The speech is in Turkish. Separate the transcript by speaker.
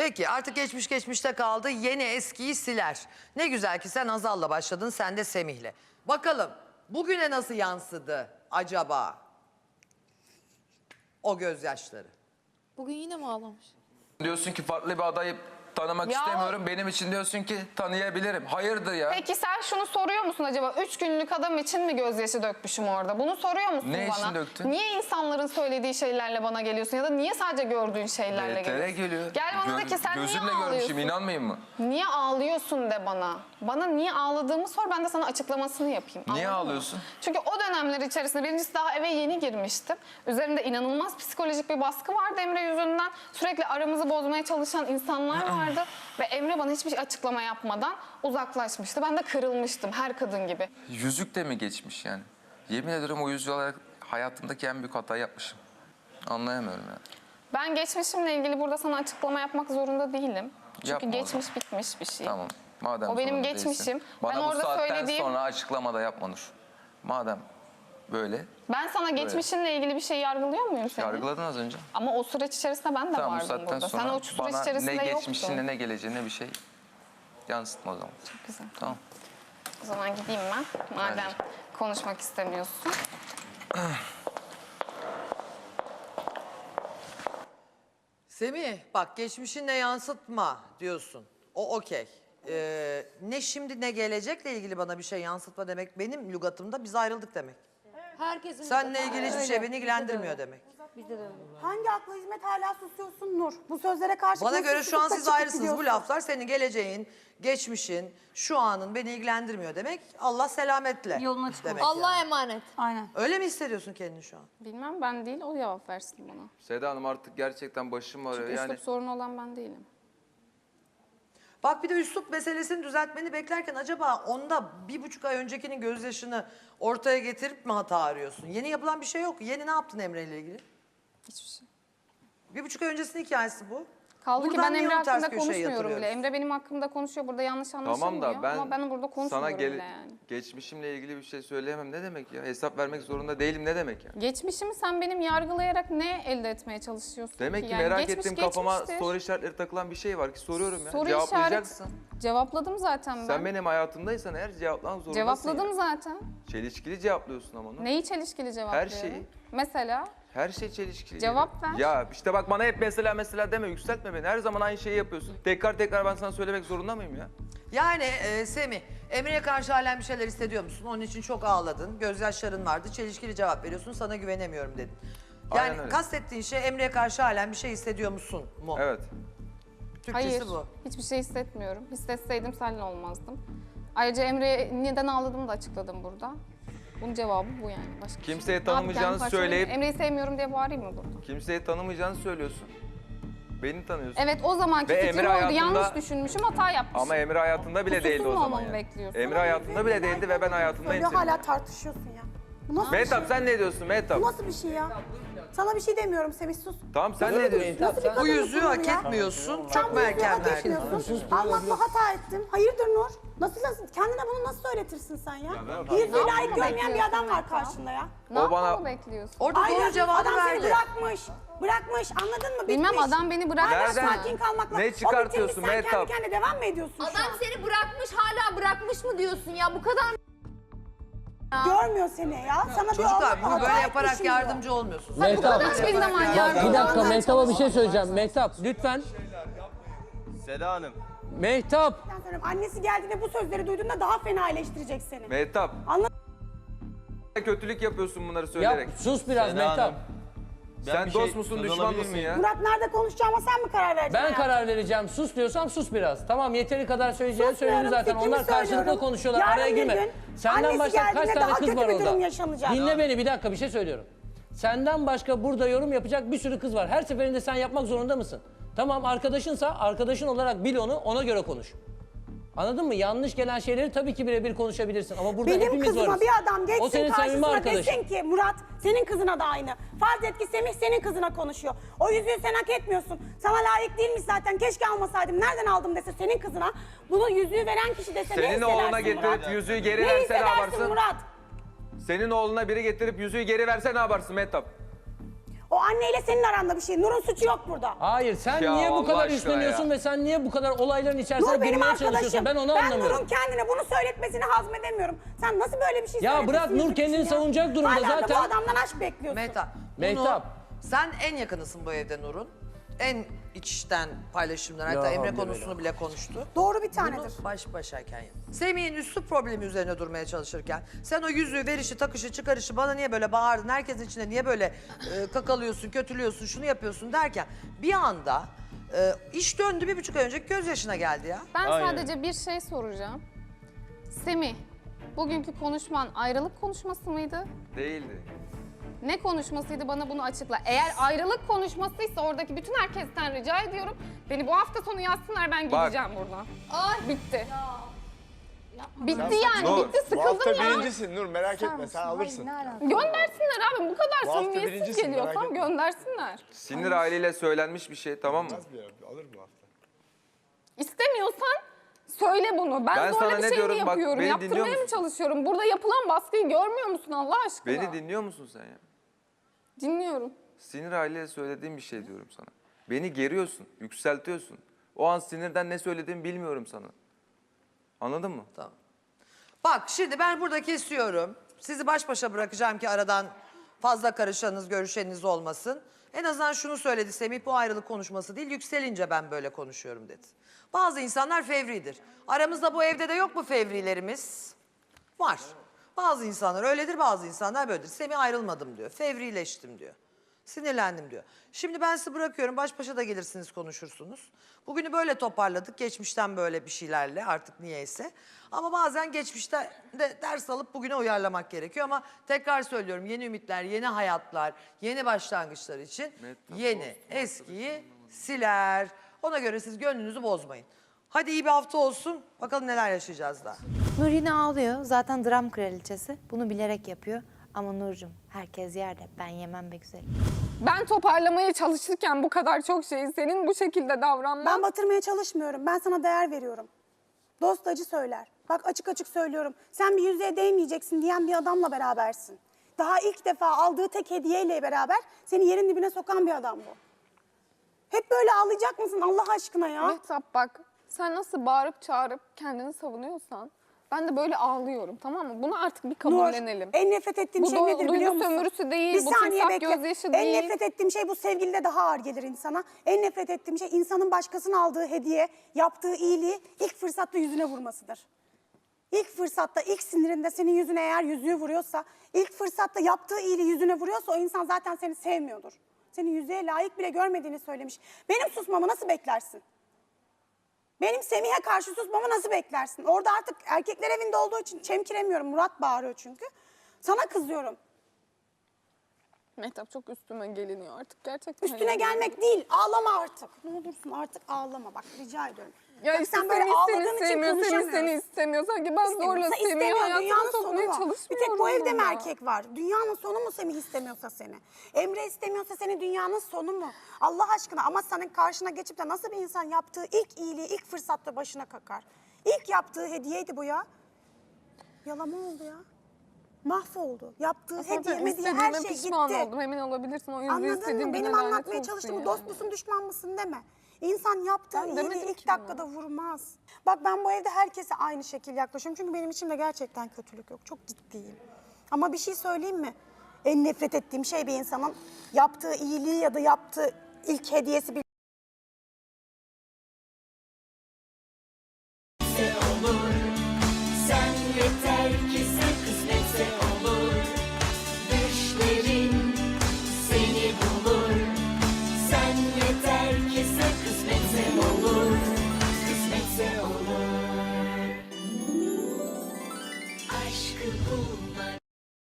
Speaker 1: Peki artık geçmiş geçmişte kaldı. Yeni eskiyi siler. Ne güzel ki sen Hazal'la başladın, sen de Semih'le. Bakalım bugüne nasıl yansıdı acaba o gözyaşları?
Speaker 2: Bugün yine mi ağlamış?
Speaker 3: Diyorsun ki farklı bir adayı tanımak
Speaker 4: Ya
Speaker 3: istemiyorum. Benim için diyorsun ki tanıyabilirim. Hayırdır ya?
Speaker 4: Peki sen şunu soruyor musun acaba? 3 günlük adam için mi gözyaşı dökmüşüm orada? Bunu soruyor musun
Speaker 3: Ne
Speaker 4: bana?
Speaker 3: için döktün?
Speaker 4: Niye insanların söylediği şeylerle bana geliyorsun? Ya da niye sadece gördüğün şeylerle
Speaker 3: VTR
Speaker 4: geliyorsun?
Speaker 3: geliyor.
Speaker 4: Gel bana de ki sen niye
Speaker 3: Gözümle
Speaker 4: ağlıyorsun?
Speaker 3: görmüşüm, inanmayayım mı?
Speaker 4: Niye ağlıyorsun de bana. Bana niye ağladığımı sor, ben de sana açıklamasını yapayım.
Speaker 3: Niye
Speaker 4: Anladın mı?
Speaker 3: ağlıyorsun?
Speaker 4: Çünkü o dönemler içerisinde birincisi daha eve yeni girmiştim. Üzerimde inanılmaz psikolojik bir baskı vardı Emre yüzünden. Sürekli aramızı bozmaya çalışan insanlar vardı. Ve Emre bana hiçbir açıklama yapmadan uzaklaşmıştı. Ben de kırılmıştım her kadın gibi.
Speaker 3: Yüzük de mi geçmiş yani? Yemin ederim o yüzüğü olarak hayatımdaki en büyük hatayı yapmışım. Anlayamıyorum ya.
Speaker 4: Ben geçmişimle ilgili burada sana açıklama yapmak zorunda değilim. Çünkü
Speaker 3: Yapma o
Speaker 4: geçmiş bitmiş bir şey.
Speaker 3: Tamam. Madem
Speaker 4: O benim
Speaker 3: zorunda
Speaker 4: geçmişim.
Speaker 3: değilsin. Bana
Speaker 4: Ben
Speaker 3: bu
Speaker 4: orada
Speaker 3: saatten
Speaker 4: söylediğim-
Speaker 3: sonra açıklama da yapma Nur. Madem böyle.
Speaker 4: Ben sana geçmişinle ilgili bir şey yargılıyor muyum seni?
Speaker 3: Yargıladın az önce.
Speaker 4: Ama o süreç içerisinde ben de
Speaker 3: Tamam bu
Speaker 4: vardım
Speaker 3: saatten
Speaker 4: burada.
Speaker 3: sonra
Speaker 4: Sen o süreç
Speaker 3: bana
Speaker 4: içerisinde
Speaker 3: ne
Speaker 4: yoktun.
Speaker 3: geçmişine ne geleceğine bir şey yansıtma o zaman.
Speaker 4: Çok güzel.
Speaker 3: Tamam.
Speaker 4: O zaman gideyim ben. Madem konuşmak istemiyorsun.
Speaker 1: Semih bak geçmişinle yansıtma diyorsun. O okey. Ne şimdi ne gelecekle ilgili bana bir şey yansıtma demek benim lügatımda biz ayrıldık demek.
Speaker 2: Herkesin
Speaker 1: Seninle ilgili hiçbir şey beni ilgilendirmiyor demek.
Speaker 2: Bizde de öyle.
Speaker 5: Hangi akla hizmet hala susuyorsun Nur? Bu sözlere karşı
Speaker 1: Bana
Speaker 5: nasıl
Speaker 1: göre şu an
Speaker 5: susup da
Speaker 1: siz
Speaker 5: çıkıp
Speaker 1: ayrısınız. Bu
Speaker 5: gidiyorsun?
Speaker 1: laflar senin geleceğin, geçmişin, şu anın beni ilgilendirmiyor demek. Allah selametle
Speaker 2: Yolun açık
Speaker 1: demek
Speaker 2: olsun. Allah'a
Speaker 1: yani.
Speaker 2: emanet.
Speaker 5: Aynen.
Speaker 1: Öyle mi hissediyorsun kendini şu an?
Speaker 4: Bilmem ben değil, o cevap versin bana.
Speaker 3: Seda Hanım artık gerçekten başım ağrıyor.
Speaker 4: Çünkü
Speaker 3: Yani
Speaker 4: üslup sorunu olan ben değilim.
Speaker 1: Bak bir de üslup meselesini düzeltmeni beklerken acaba onda 1,5 ay öncekinin gözyaşını ortaya getirip mi hata arıyorsun? Yeni yapılan bir şey yok. Yeni ne yaptın Emre ile ilgili?
Speaker 4: Hiçbir şey.
Speaker 1: 1,5 ay öncesinin hikayesi bu.
Speaker 4: Kaldı ki
Speaker 1: Buradan
Speaker 4: ben
Speaker 1: niye
Speaker 4: Emre
Speaker 1: onu ters
Speaker 4: hakkında
Speaker 1: köşeye
Speaker 4: konuşmuyorum bile.
Speaker 1: yatırıyoruz?
Speaker 4: Emre benim hakkımda konuşuyor. Burada yanlış anlaşılmıyor.
Speaker 3: tamam da ben,
Speaker 4: Ama ben burada
Speaker 3: sana
Speaker 4: konuşmuyorum bile yani.
Speaker 3: geçmişimle ilgili bir şey söyleyemem ne demek ya? Hesap vermek zorunda değilim ne demek ya?
Speaker 4: Geçmişimi sen benim yargılayarak ne elde etmeye çalışıyorsun
Speaker 3: Demek ki
Speaker 4: Yani
Speaker 3: merak
Speaker 4: geçmiş
Speaker 3: ettiğim kafama
Speaker 4: geçmiştir.
Speaker 3: soru işaretleri takılan bir şey var ki soruyorum ya.
Speaker 4: Soru
Speaker 3: Cevaplayacaksın.
Speaker 4: Cevapladım zaten ben.
Speaker 3: Sen benim hayatımdaysan eğer cevaplamak zorundasın.
Speaker 4: Cevapladım
Speaker 3: ya.
Speaker 4: zaten.
Speaker 3: Çelişkili cevaplıyorsun ama onu.
Speaker 4: Neyi çelişkili cevaplıyorum?
Speaker 3: şeyi.
Speaker 4: Mesela
Speaker 3: Her şey çelişkili.
Speaker 4: Cevap
Speaker 3: geliyor.
Speaker 4: ver.
Speaker 3: Ya işte bak bana hep mesela deme, yükseltme beni. Her zaman aynı şeyi yapıyorsun. Tekrar ben sana söylemek zorunda mıyım ya?
Speaker 1: Yani Semih, Emre'ye karşı halen bir şeyler hissediyor musun? Onun için çok ağladın, gözyaşların vardı, çelişkili cevap veriyorsun, sana güvenemiyorum dedin. Yani
Speaker 3: Aynen öyle.
Speaker 1: kastettiğin şey Emre'ye karşı halen bir şey hissediyor musun mu?
Speaker 3: Evet.
Speaker 1: Türkçesi
Speaker 4: hayır,
Speaker 1: bu.
Speaker 4: hiçbir şey hissetmiyorum. Hissetseydim seninle olmazdım. Ayrıca Emre'ye neden ağladığımı da açıkladım burada. Bunun cevabı bu yani. Başka bir
Speaker 3: Kimseye
Speaker 4: şey. Ne
Speaker 3: tanımayacağını
Speaker 4: yapayım, kendimi parçalayayım
Speaker 3: söyleyip-
Speaker 4: mı? Emre'yi sevmiyorum diye bağırayım mı burada?
Speaker 3: Kimseyi tanımayacağını söylüyorsun. Beni tanıyorsun.
Speaker 4: Evet o zamanki
Speaker 3: Ve
Speaker 4: fikrim
Speaker 3: Emre
Speaker 4: oydu.
Speaker 3: hayatında-
Speaker 4: Yanlış düşünmüşüm, hata yapmışım.
Speaker 3: Ama Emre hayatında bile değildi o
Speaker 4: Kusursuz mu
Speaker 3: zaman
Speaker 4: olmamı
Speaker 3: yani.
Speaker 4: bekliyorsun?
Speaker 3: Emre hayatında bile değildi ve ben hayatındayım
Speaker 5: Söylüyor,
Speaker 3: senin.
Speaker 5: hala tartışıyorsun ya. Bu nasıl bir
Speaker 3: Mehtap
Speaker 5: şey?
Speaker 3: sen ne diyorsun Mehtap?
Speaker 5: Bu nasıl bir şey ya? Sana bir şey demiyorum Semih, sus.
Speaker 3: Tamam sen ne diyorsun?
Speaker 5: Nasıl bir
Speaker 1: Bu
Speaker 5: kadın
Speaker 1: yüzüğü
Speaker 5: bu
Speaker 1: hak
Speaker 5: ya?
Speaker 1: etmiyorsun,
Speaker 5: Sen
Speaker 1: çok
Speaker 5: bu
Speaker 1: mu
Speaker 5: yüzüğü
Speaker 1: erken
Speaker 5: hak
Speaker 1: verdin?
Speaker 5: etmiyorsun. Almakla hata ettim. Hayırdır Nur? Nasıl kendine bunu nasıl söyletirsin sen ya? Yüzüğü layık
Speaker 4: yapmamı
Speaker 5: görmeyen bir adam var
Speaker 4: bekliyorsun
Speaker 5: karşında ya.
Speaker 4: Ne
Speaker 3: O bana-
Speaker 4: yapmamı bekliyorsun?
Speaker 1: Orada doğru
Speaker 5: Aynen,
Speaker 1: cevabı
Speaker 5: adam seni
Speaker 1: verdi.
Speaker 5: bırakmış, anladın mı?
Speaker 4: Bilmem,
Speaker 5: Bitmiş.
Speaker 4: adam beni bırakmış.
Speaker 5: Hala
Speaker 3: Nereden-
Speaker 5: sakin kalmakla.
Speaker 3: Ne
Speaker 5: O
Speaker 3: çıkartıyorsun
Speaker 5: bitirmiş, sen
Speaker 3: Mehtap?
Speaker 5: kendi kendine devam mı ediyorsun şu
Speaker 2: Adam
Speaker 5: an?
Speaker 2: seni bırakmış, hala bırakmış mı diyorsun ya? Bu kadar
Speaker 5: Görmüyor seni ya. Sana
Speaker 1: Çocuklar
Speaker 5: bir
Speaker 1: bunu
Speaker 5: hata
Speaker 1: böyle
Speaker 5: etmiş
Speaker 1: yaparak
Speaker 5: şimdi.
Speaker 1: yardımcı olmuyorsunuz.
Speaker 6: Mehtap,
Speaker 4: Hiçbir zaman
Speaker 6: bak
Speaker 4: yardım
Speaker 6: bir dakika Mehtap'a bir şey söyleyeceğim. Mehtap lütfen.
Speaker 7: Seda Hanım.
Speaker 6: Mehtap.
Speaker 5: Ben söylüyorum, annesi geldiğinde bu sözleri duyduğunda daha fena eleştirecek seni.
Speaker 3: Mehtap.
Speaker 5: Anladın
Speaker 3: Kötülük yapıyorsun bunları
Speaker 6: Yap,
Speaker 3: söyleyerek.
Speaker 6: sus biraz
Speaker 7: Seda
Speaker 6: Mehtap.
Speaker 7: Hanım. Ben
Speaker 3: Sen
Speaker 7: bir
Speaker 3: dost
Speaker 7: şey
Speaker 3: musun
Speaker 7: söz
Speaker 3: düşman
Speaker 7: alabilir
Speaker 3: mısın
Speaker 7: miyim?
Speaker 3: ya?
Speaker 5: Murat nerede konuşacağıma sen mi karar vereceksin?
Speaker 6: Ben
Speaker 5: hayatım?
Speaker 6: karar vereceğim. Sus diyorsam sus biraz. Tamam yeteri kadar söyleyeceğini
Speaker 5: Susmuyorum,
Speaker 6: söyledim zaten.
Speaker 5: fikrimi
Speaker 6: Onlar karşılıklı
Speaker 5: söylüyorum.
Speaker 6: konuşuyorlar.
Speaker 5: Yarın
Speaker 6: Araya
Speaker 5: bir
Speaker 6: girme.
Speaker 5: gün
Speaker 6: Senden
Speaker 5: annesi
Speaker 6: başka kaç
Speaker 5: geldiğinde
Speaker 6: tane
Speaker 5: daha
Speaker 6: kız
Speaker 5: kötü
Speaker 6: var
Speaker 5: bir
Speaker 6: orada?
Speaker 5: durum yaşanacak.
Speaker 6: Dinle beni bir dakika bir şey söylüyorum. Senden başka burada yorum yapacak bir sürü kız var. Her seferinde sen yapmak zorunda mısın? Tamam arkadaşınsa arkadaşın olarak bil onu, ona göre konuş. Anladın mı? Yanlış gelen şeyleri tabii ki birebir konuşabilirsin ama burada
Speaker 5: Benim
Speaker 6: hepimiz
Speaker 5: kızıma
Speaker 6: varız.
Speaker 5: bir adam
Speaker 6: O
Speaker 5: geçsin
Speaker 6: senin samimi
Speaker 5: karşısına
Speaker 6: arkadaşın.
Speaker 5: desin ki Murat senin kızına da aynı. Farz et ki Semih senin kızına konuşuyor. O yüzüğü sen hak etmiyorsun. Sana layık değilmiş zaten, keşke almasaydım. Nereden aldım dese senin kızına. Bunu yüzüğü veren kişi dese ne
Speaker 3: Senin
Speaker 5: hissedersin
Speaker 3: oğluna getirip
Speaker 5: Murat?
Speaker 3: yüzüğü geri
Speaker 5: Ne
Speaker 3: verse ne
Speaker 5: hissedersin
Speaker 3: yaparsın?
Speaker 5: Murat?
Speaker 3: Senin oğluna biri getirip yüzüğü geri verse ne yaparsın Mehtap?
Speaker 5: O anneyle senin aranda bir şey. Nur'un suçu yok burada.
Speaker 6: Hayır sen
Speaker 3: Ya
Speaker 6: niye bu
Speaker 3: Allah
Speaker 6: kadar
Speaker 3: aşkına
Speaker 6: üstleniyorsun
Speaker 3: ya.
Speaker 6: ve sen niye bu kadar olayların içerisine
Speaker 5: Nur benim
Speaker 6: girmeye çalışıyorsun?
Speaker 5: arkadaşım.
Speaker 6: Ben onu
Speaker 5: Ben
Speaker 6: anlamıyorum.
Speaker 5: Nur'un kendine bunu söyletmesini hazmedemiyorum. Sen nasıl böyle bir şey
Speaker 6: Ya
Speaker 5: söyletirsin
Speaker 6: bırak, Nur
Speaker 5: yüzük
Speaker 6: kendini
Speaker 5: için ya?
Speaker 6: savunacak durumda
Speaker 5: Hala da
Speaker 6: zaten.
Speaker 5: bu adamdan aşk bekliyorsun.
Speaker 1: Mehtap.
Speaker 6: Mehtap.
Speaker 1: Sen en yakınısın bu evde Nur'un. En içten paylaşımlar. Hatta
Speaker 6: Ya
Speaker 1: Emre
Speaker 6: Rabbi
Speaker 1: konusunu bile konuştu.
Speaker 5: Doğru bir tanedir.
Speaker 1: Bunu baş başayken yap. Semih'in üslup problemi üzerine durmaya çalışırken sen o yüzüğü, verişi, takışı, çıkarışı bana niye böyle bağırdın, herkesin içinde niye böyle kakalıyorsun, kötülüyorsun, şunu yapıyorsun derken bir anda iş döndü 1,5 ay önceki gözyaşına geldi ya.
Speaker 4: Ben
Speaker 7: Aynen.
Speaker 4: sadece bir şey soracağım. Semih, bugünkü konuşman ayrılık konuşması mıydı?
Speaker 3: Değildi.
Speaker 4: Ne konuşmasıydı, bana bunu açıkla. Eğer ayrılık konuşmasıysa oradaki bütün herkesten rica ediyorum. Beni bu hafta sonu yazsınlar, ben
Speaker 3: Bak.
Speaker 4: gideceğim buradan. Bitti. Bitti yani,
Speaker 3: Nur,
Speaker 4: bitti,
Speaker 8: Bu hafta
Speaker 4: sıkıldım ya.
Speaker 8: birincisin Nur, merak etme sen alırsın.
Speaker 4: Göndersinler abi, bu kadar
Speaker 8: Bu hafta
Speaker 4: samimiyetsiz
Speaker 8: birincisin, merak
Speaker 4: geliyorsam
Speaker 8: etme.
Speaker 4: göndersinler.
Speaker 3: Sinir haliyle söylenmiş bir şey, tamam mı?
Speaker 8: Az bir yer, alır bu hafta.
Speaker 4: İstemiyorsan söyle bunu. Ben
Speaker 3: Ben
Speaker 4: zorla
Speaker 3: sana
Speaker 4: bir
Speaker 3: ne
Speaker 4: şey mi
Speaker 3: diyorum? Bak,
Speaker 4: yapıyorum?
Speaker 3: beni
Speaker 4: Yaptırmaya
Speaker 3: dinliyor
Speaker 4: mı
Speaker 3: musun?
Speaker 4: çalışıyorum? Burada yapılan baskıyı görmüyor musun Allah aşkına?
Speaker 3: Beni dinliyor musun sen ya?
Speaker 4: Dinliyorum.
Speaker 3: Sinir haliyle söylediğim bir şey diyorum sana. Beni geriyorsun, yükseltiyorsun. O an sinirden ne söylediğimi bilmiyorum sana. Anladın mı?
Speaker 1: Tamam. Bak şimdi ben burada kesiyorum. Sizi baş başa bırakacağım ki aradan fazla karışanınız, görüşeniniz olmasın. En azından şunu söyledi Semih, bu ayrılık konuşması değil, yükselince ben böyle konuşuyorum dedi. Bazı insanlar fevridir. Aramızda bu evde de yok mu fevrilerimiz? Var. Bazı insanlar öyledir, bazı insanlar böyledir. Semih ayrılmadım diyor, fevrileştim diyor. Sinirlendim diyor. Şimdi ben sizi bırakıyorum, baş başa da gelirsiniz, konuşursunuz. Bugünü böyle toparladık, geçmişten böyle bir şeylerle artık niyeyse. Ama bazen geçmişte de ders alıp bugüne uyarlamak gerekiyor. Ama tekrar söylüyorum, yeni ümitler, yeni hayatlar, yeni başlangıçlar için yeni, eskiyi siler. Ona göre siz gönlünüzü bozmayın. Hadi iyi bir hafta olsun, bakalım neler yaşayacağız daha.
Speaker 9: Nur yine ağlıyor. Zaten dram kraliçesi. Bunu bilerek yapıyor. Ama Nurcum herkes yerde. Ben yemem be güzelim.
Speaker 4: Ben toparlamaya çalışırken bu kadar çok şeyi senin bu şekilde davranman...
Speaker 5: Ben batırmaya çalışmıyorum. Ben sana değer veriyorum. Dost acı söyler. Bak açık açık söylüyorum. Sen bir yüzüğe değmeyeceksin diyen bir adamla berabersin. Daha ilk defa aldığı tek hediyeyle beraber seni yerin dibine sokan bir adam bu. Hep böyle ağlayacak mısın Allah aşkına ya?
Speaker 4: Mehtap bak, sen nasıl bağırıp çağırıp kendini savunuyorsan ben de böyle ağlıyorum, tamam mı? Bunu artık bir kabullenelim.
Speaker 5: Nur, en nefret ettiğim
Speaker 4: Bu
Speaker 5: şey nedir
Speaker 4: duygu
Speaker 5: biliyor musun?
Speaker 4: sömürüsü değil,
Speaker 5: Bir
Speaker 4: bu
Speaker 5: saniye
Speaker 4: timsah
Speaker 5: bekle.
Speaker 4: gözyaşı
Speaker 5: En
Speaker 4: değil.
Speaker 5: nefret ettiğim şey bu sevgilide daha ağır gelir insana. En nefret ettiğim şey insanın başkasının aldığı hediye, yaptığı iyiliği ilk fırsatta yüzüne vurmasıdır. İlk fırsatta, ilk sinirinde senin yüzüne eğer yüzüğü vuruyorsa, ilk fırsatta yaptığı iyiliği yüzüne vuruyorsa o insan zaten seni sevmiyordur. Seni yüzüğe layık bile görmediğini söylemiş. Benim susmamı nasıl beklersin? Benim Semih'e karşı susmamı nasıl beklersin? Orada artık erkekler evinde olduğu için çemkiremiyorum. Murat bağırıyor çünkü. Sana kızıyorum.
Speaker 4: Mehtap çok üstüme geliniyor artık gerçekten.
Speaker 5: Üstüne gelmek değil, ağlama artık. Ne olursun artık ağlama bak rica ediyorum.
Speaker 4: Ya
Speaker 5: Bak,
Speaker 4: işte
Speaker 5: sen böyle ağladığın
Speaker 4: seni
Speaker 5: için
Speaker 4: sevmiyor, seni
Speaker 5: konuşamıyoruz.
Speaker 4: istemiyor. Sanki ben zorla
Speaker 5: İstemiyorsa
Speaker 4: Semih'i
Speaker 5: istemiyor,
Speaker 4: hayatıma
Speaker 5: dünyanın sonu
Speaker 4: sokmaya
Speaker 5: mu?
Speaker 4: çalışmıyorum.
Speaker 5: Bir tek bu evde mi
Speaker 4: ama.
Speaker 5: erkek var? Dünyanın sonu mu Semih istemiyorsa seni? Emre istemiyorsa seni dünyanın sonu mu? Allah aşkına ama senin karşına geçip de nasıl bir insan yaptığı ilk iyiliği ilk fırsatta başına kakar? İlk yaptığı hediyeydi bu ya. Yalama oldu ya. Mahvoldu. Yaptığı hediye,
Speaker 4: Zaten
Speaker 5: mediye her
Speaker 4: istediğime
Speaker 5: şey
Speaker 4: pişman
Speaker 5: gitti.
Speaker 4: oldum, emin olabilirsin. O yüzden
Speaker 5: Anladın
Speaker 4: istediğim
Speaker 5: mı?
Speaker 4: güne
Speaker 5: Benim
Speaker 4: lanet
Speaker 5: anlatmaya
Speaker 4: olsun
Speaker 5: çalıştığım
Speaker 4: yani.
Speaker 5: dost musun düşman mısın deme. İnsan yaptığı
Speaker 4: Ben demedim
Speaker 5: iyiliği ilk
Speaker 4: ki bunu.
Speaker 5: dakikada vurmaz. Bak ben bu evde herkese aynı şekil yaklaşıyorum. Çünkü benim içimde gerçekten kötülük yok. Çok ciddiyim. Ama bir şey söyleyeyim mi? En nefret ettiğim şey bir insanın yaptığı iyiliği ya da yaptığı ilk hediyesi bir
Speaker 10: Sen yeter ki sen